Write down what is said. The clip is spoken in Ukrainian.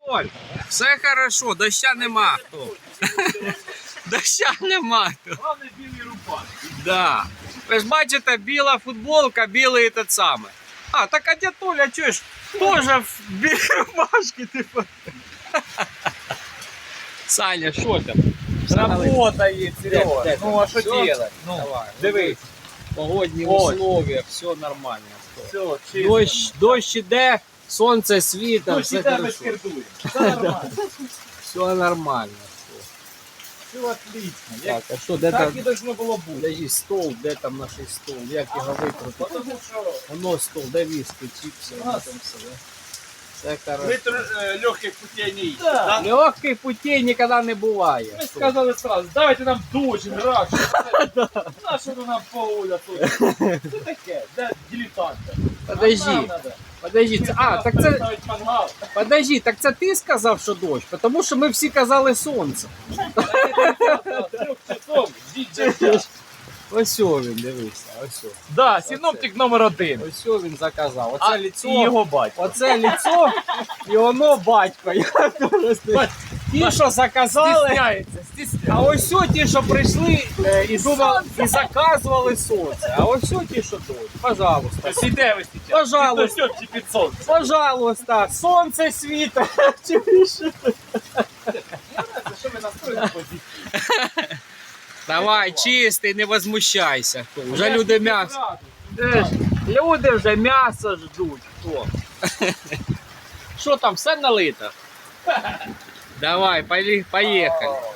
Оль, все хорошо, доща нема хто. Доща нема хто. Главное білий рубаш. Да. Ви ж бачите, біла футболка, білий те саме. А, так а дядь Толя, чуєш, теж в білій рубашці, типу. Саня, що там? Работает, Серега. Де? Ну а що Всё? делать? Ну, Давай. дивись. Погодні Ось. условия, все нормально. Все, чисто. Дощ іде, сонце світить, Ну, все тебе хорошо. скирдує. Все нормально. Все нормально. Все отлично. Так, а що, де Так там? і должно було бути. Подожди, стол, де там наш стол? Як його викрутити? Потому що Воно стол, де віски, чіпси, воно там все, да? Все хорошо. ми легких путей не їдемо. Да. Легких путей ніколи не буває. Ми сказали сразу, давайте нам дощ, граш. На що ви нам поуля тут? Що таке? Де дилетанти? Подожди, Нам надо. подожди, так це, Ставить мангал. подожди, так це ти сказав, що дощ? Тому що ми всі казали сонце. 3 часов, ждіть. Ось він, дивися, ось. Да, синоптик номер 1. Ось він заказав. Оце А лицо, і його батько. оце лицо і воно батько. Я просто- Ті, що заказали, Стісняється, а стісняється. ось о ті, що прийшли і думали, і заказували сонце. А ось о ті, що дощ. Пожалуйста. Сіде ви зараз. Пожалуйста. Під під сонце. Пожалуйста, сонце світить. Чуєш? Що ви настроїли позицію? Давай, чистий, не возмущайся. Вже люди м'ясо. Люди вже м'ясо ждуть. Хто? Що там, все налито? Давай, поїхали.